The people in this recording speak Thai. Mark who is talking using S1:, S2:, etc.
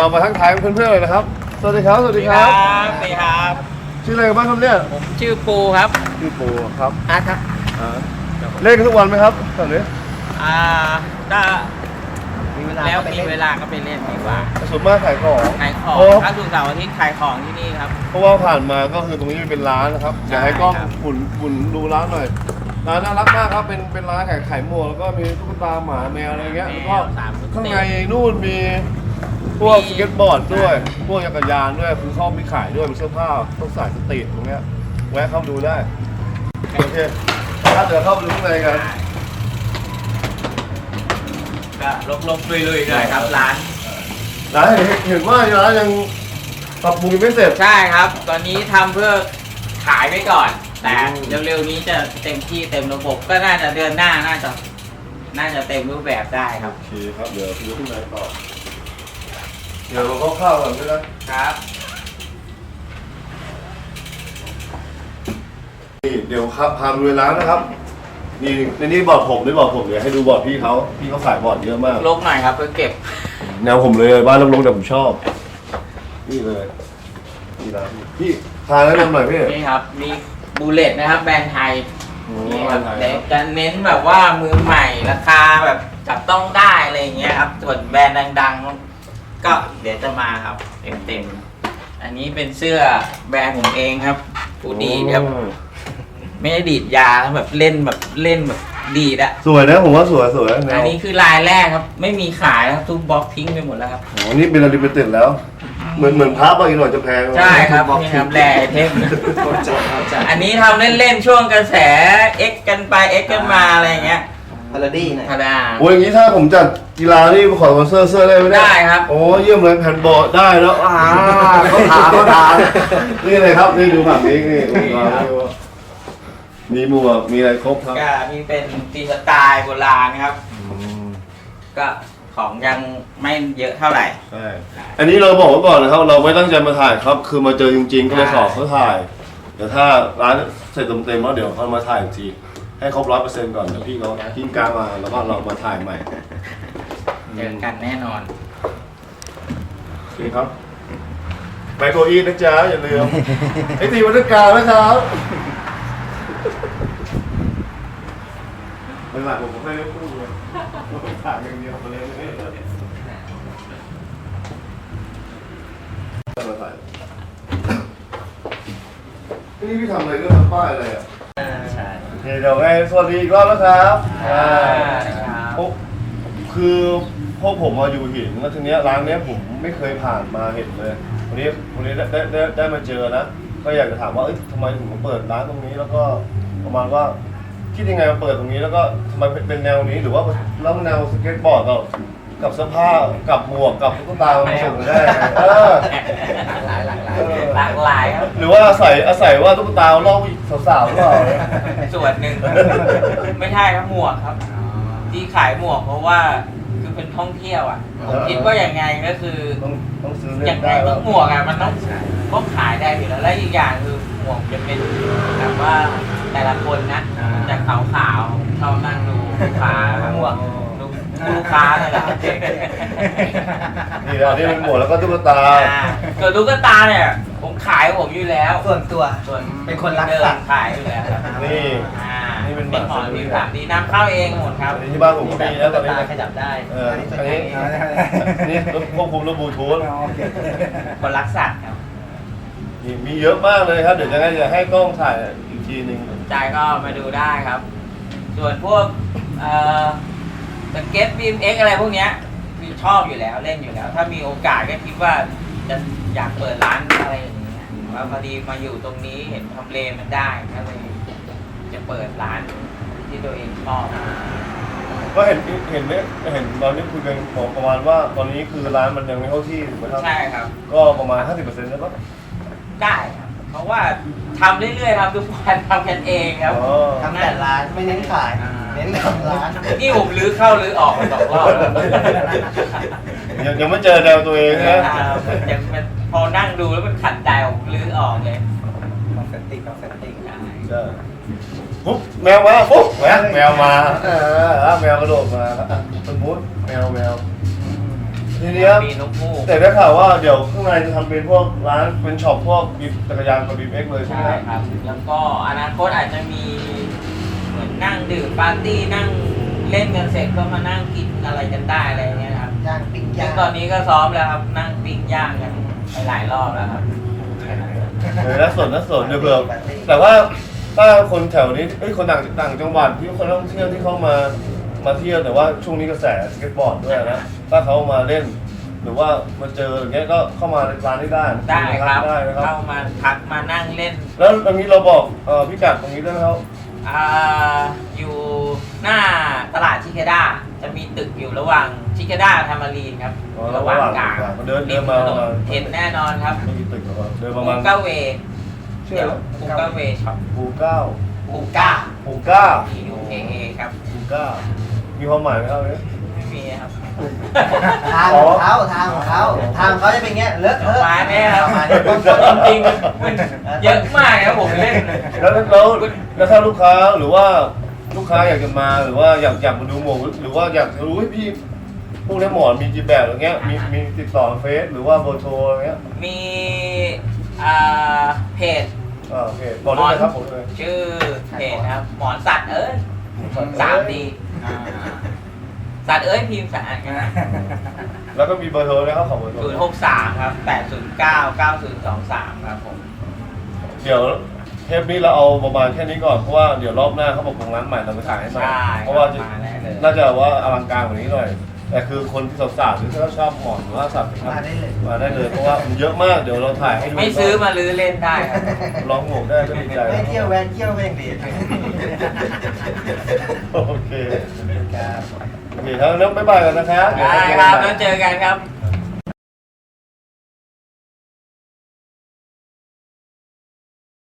S1: เรามาทักทายเพื่อนๆเลยนะครับสวัสดีครับสวัสดีครับ
S2: สวัสดีครับ
S1: ชื่ออะไรกันบ้างครับเนี่ย
S2: ผมชื่อปูครับ
S1: ชื่อปูครับ
S2: อาร์ตครับ
S1: เล่นกันทุกวันไหมครับตอนนี้
S2: ถ้าแล้วมีเวลาก็ไปเล่นดีกว่า
S1: ส่วนมากขายของ
S2: ถ้าสุกร์เสาร์อาทิตย์ขายของที่นี่ครับ
S1: เพราะว่าผ่านมาก็คือตรงนี้เป็นร้านนะครับอยากให้กล้องฝุ่นดูร้านหน่อยร้านน่ารักมากครับเป็นร้านขายหมวกแล้วก็มีตุ๊กตาหมาแมวอะไรเงี้ยแล้วก็ข้างในนู่นมีพวกสเก็ตบอร์ดด้วยพวกจักรยานด้วยคือเขามีขายด้วยมีเสื้อผ้าต้องสายสตรีทตรงเนี้ยแวะเข้าดูได้โอเคถ้าเดี๋ยวเข้าไปดูข้างในกัน
S2: ก็ลงลุยๆหน่อยครับร้าน
S1: เห็นว่าร้านยังปรับปรุงไม่เสร็จ
S2: ใช่ครับตอนนี้ทำเพื่อขายไว้ก่อนแต่เร็วๆนี้จะเต็มที่เต็มระบบก็น่าจะเดือนหน้าน่าจะเต็มรูปแบบได้ครับ
S1: โอเคครับเดี๋ยวไปดูข้างในต่อเดี๋ยวเราเข้าก่อนก็ได้
S2: ครับ
S1: นี่เดี๋ยวพาไปดูร้านนะครับนี่ในนี้บอร์ดผมด้วยบอร์ดผมเดี๋ยวให้ดูบอร์ดพี่เขาขายบอร์ดเยอะมาก
S2: ลกหน่อยครับเพื่อเก็บ
S1: แนวผมเลยบ้านลกๆแต่ผมชอบนี่เลยนี่ร้านพี่พาแนะนำหน่อยพี่
S2: นี่ครับมีบูเลตนะครับแบรนด์ไทยนี่ครับจะเน้นแบบว่ามือใหม่ราคาแบบจับต้องได้อะไรเงี้ยครับส่วนแบรนด์ดังๆก็เดี๋ยวจะมาครับเต็มอันนี้เป็นเสื้อแบรนด์ผมเองครับผู้ดีครับไม่ได้ดีดยาแบบเล่นแบบดีดอะ
S1: สวยนะผมว่าสวย
S2: อันนี้คือลายแรกครับไม่มีขายครับทุกบล็อกทิ้งไปหมดแล้วครับ
S1: อ๋อนี่เป็นลิมิเต็ดแล้วเหมือนพาร์ทบางอีกหน่อยจะแพง
S2: ใช่ครับนี่ครับแร่เทมอันนี้ทำเล่นๆช่วงกระแส X กันไป X กันมาอะไรเงี้ย
S3: พาราดี้นะ
S2: พารา
S1: โอ้ยอย่างนี้ถ้าผมจัดกีฬานี่ขอสปอนเซอร์เสื้อได้ไหม
S2: ได้ครับ
S1: โอ้เยี่ยมเลยแผ่นบอร์ดได้แล้วเขาถามนี่เลยครับนี่ดูแบบนี้นี่มีหมวกมีอะไรครบครับ
S2: ก็มีเป็นตีสไตล์โบราณครับก็ของยังไม่เยอะเท่าไหร่
S1: ใช่อันนี้เราบอกไว้ก่อนนะครับเราไม่ตั้งใจมาถ่ายครับคือมาเจอจริงๆก็เลยขอเขาถ่ายเดี๋ยวถ้าร้านเสร็จเต็มๆแล้วเดี๋ยวเขามาถ่ายอีกทีให้ครบ100%ก่อนเดี๋ยวพี่เขาทิ้งกลางมาแล้วก็เรามาถ่ายใหม่
S2: เจอกันแน่นอน
S1: โอเคครับไปโกอีนะจ๊ะอย่าลืมไอตีวัฒนการนะครับไม่หลักผมไม่ได้พูดเลยถ่ายอย่างเดียวมาเลยนี่พี่ทำอะไรเรื่องทำป้ายอะไรอ่ะ
S2: ใช่
S1: เดี๋ยวไงสวัสดีอีกรอบนะครับคือพวกผมมาอยู่หินแล้วทีเนี้ยร้านเนี้ยผมไม่เคยผ่านมาเห็นเลยวันนี้ได้มาเจอนะก็อยากจะถามว่าทำไมถึงมาเปิดร้านตรงนี้แล้วก็ประมาณว่าคิดยังไงมาเปิดตรงนี้แล้วก็ทำไมเป็นแนวนี้หรือว่าแล้วแนวสเก็ตบอร์ดกับเสื้อผ้ากับหมวกกับตุ๊กตาผสมกันได้
S2: หลากหลายครับ
S1: หรือว่าอาศัยว่าตุ๊กตาล่อสาวๆหรือเปล่า
S2: ส่วนหนึ่งไม่ใช่ครับหมวกครับที่ขายหมวกเพราะว่าคือเป็นท่องเที่ยวอ่ะผมคิดว่าอย่างไงก็คือ
S1: ต้องซื้อ
S2: อย่างไงต้องหมวกอ่ะมันต้องขายได้อยู่แล้วและอีกอย่างคือหมวกจะเป็นแบบว่าแต่ละคนนะจากขาวๆชอบนั่งดูลูกค้าหมวกลูกค้าเลยแหละ
S1: นี่อันนี้เป็นหมวกแล้วก็ตุ๊กตา
S2: ส่วนตุ๊กตาเนี่ยผมขายผมอยู่แล้ว
S3: ส่วน
S2: เป็นคนรักสัตว์ขายอยู่แล้วนี่เป็นหมอนที่3Dน้ำเข้าเองหมดครับ
S1: ที่บ้านผมมีแล้วตอนนี้
S3: ขยับได้
S1: อันนี้ควบคุมระบบทูธ
S2: คนรักสัตว์ครับ
S1: มีเยอะมากเลยครับเดี๋ยวจะให้กล้องถ่ายอีกทีนึง
S2: ใจก็มาดูได้ครับส่วนพวกสเก็ตบีมเอ็กอะไรพวกเนี้ยคือชอบอยู่แล้วเล่นอยู่แล้วถ้ามีโอกาสก็คิดว่าจะอยากเปิดร้านอะไรอย่างเงี้ยว่าพอดีมาอยู่ตรงนี้เห็นทำเลมันได้ก็เลยจะเปิดร้านที่ตัวเองชอบ
S1: ก็เห็นตอนนี้คุยกันของประมาณว่าตอนนี้คือร้านมันยังไม่เข้าที่ถูกไหมครับ
S2: ใช่ครับ
S1: ก็ประมาณ 50% ได้ปะ
S2: ได้ครับเพราะว่าทำเรื่อยๆครับทุกวันทำกันเองครับ
S3: ทำแต่ร้านไม่เน้นขายเน้นทำร้าน
S2: นี่ผมลื้อเข้าลื้อออกมา2 รอบ
S1: ยังไม่เจอแนวตัวเองนะ
S2: ยังพอนั่งดูแล้วมันขัดใจผมลื้อออกเลย
S3: ต้องเซตติ้ง
S1: ใช่ปุ๊บแมวมาปุ๊บแมวมาแมวกระโดดมาสมมุติแมวทีเนี้ย
S2: มีนกฮูก
S1: แต่ได้ข่าวว่าเดี๋ยวข้างในจะทำเป็นพวกร้านเป็นช็อปพวกบีบจักรยานกับบีบเอ็กเลยใช่ไหม
S2: ใช่ครับ แล้วก็อนาคตอาจจะมีเหมือนนั่งดื่มปาร์ตี้นั่งเล่นกันเสร็จก็มานั่งกินอะไรกันได้อะไรอย่างเงี้ยครับ
S3: ย่างปิ้ง
S2: ซึ่
S3: ย่าง ง
S2: ตอนนี้ก็ซ้อมแล้วครับ นั่งปิ้งย่างกันไปหลายรอบแล้วครับ
S1: น่าสนเดี๋ยวเผื่อแต่ว่าถ้าคนแถวนี้คนต่างจังหวัดที่คนท่องเที่ยวที่เขามาเที่ยวแต่ว่าช่วงนี้กระแสสเก็ตบอร์ดด้วยนะถ้าเขามาเล่น หรือว่ามาเจออย่างเงี้ยก็เข้ามาในร้านนี้ได้
S2: ได้ครับ
S1: ได้นะครับ
S2: เข้ามาพักมานั่งเล่น
S1: แล้วตรงนี้เราบอกพิกัดตรงนี้ได้ไหมครับ
S2: อยู่หน้าตลาดชิคาด้าจะมีตึกอยู่ระหว่างชิคาด้าธรรมารีนครับ ระหว่างกลาง
S1: เดิน
S2: ริม
S1: มา
S2: ถนนเห็นแน่นอนครับ
S1: ไม่กี่ตึกหรอกเดินประ
S2: ปู
S1: มาณ
S2: เก้าเว
S1: ชื่อ
S2: เดี๋ยว
S1: อะไร
S2: ปูเก้าเวช็อป
S1: ปูเก้า
S2: ปูก้า
S1: ปูเก้า
S2: PUKA ครับ
S1: ปูเก้ามีความหมายไหมครับเนี่ย
S2: ไม่มีครับ
S3: ทางของเขาทางของเขาทางเขาจะเป็นเงี้ยเลอะเทอะ
S2: มาแน่ครับ
S3: มาเนี่ย
S2: จริงๆมันเยอะมากครับผมเล่น
S1: แล้วถ้าลูกค้าหรือว่าลูกค้าอยากจะมาหรือว่าอยากมาดูหมวกหรือว่าอยากจะรู้ว่าพี่พวกนี้หมอนมีกี่แบบอะไรเงี้ยมีติดต่อเฟซหรือว่าเบอร์โทรอะไรเงี้ย
S2: มีเพจ
S1: โอเคบอกได้เลยครับผมเลย
S2: ชื่อเพจนะครับ หมอนสัตว์เอ้ย3D สัตว์เอ้ยพิมพ์สะอาดกันนะ
S1: แล้วก็มีเบอร์โทรนะครับขอเบอร์โทร
S2: 063 ครับ 809 9023 ครับผม
S1: เดี๋ยวเทปนี้เราเอาประมาณแค่นี้ก่อนเพราะว่าเดี๋ยวรอบหน้าเขาบอกของร้านใหม่เราไปถ่ายให้ใหม่
S2: ใช่
S1: เพราะว่าจะ
S2: มาแน่เลย
S1: น่าจะว่าอลังการกว่านี้หน่อย แต่คือคนที่สาวๆหรือที่เขาชอบหมอนหรือว่าสัตว์นะครับ
S3: มาได้เลย
S1: มาได้เลยเพราะว่ามันเยอะมากเดี๋ยวเราถ่ายให้ดู
S2: ไม่ซื้อมาลื้อเล่นได้ครับ
S1: ลองหมวกได้ก็ดีใจ
S3: ไม่เที่ยวแวนเที่ยวก็ยังดี
S1: โอเค
S3: ครับ
S1: โอเคครับแล้วบ๊ายบายกันนะครับ
S2: ได้ครับแล้วเจอกันครับ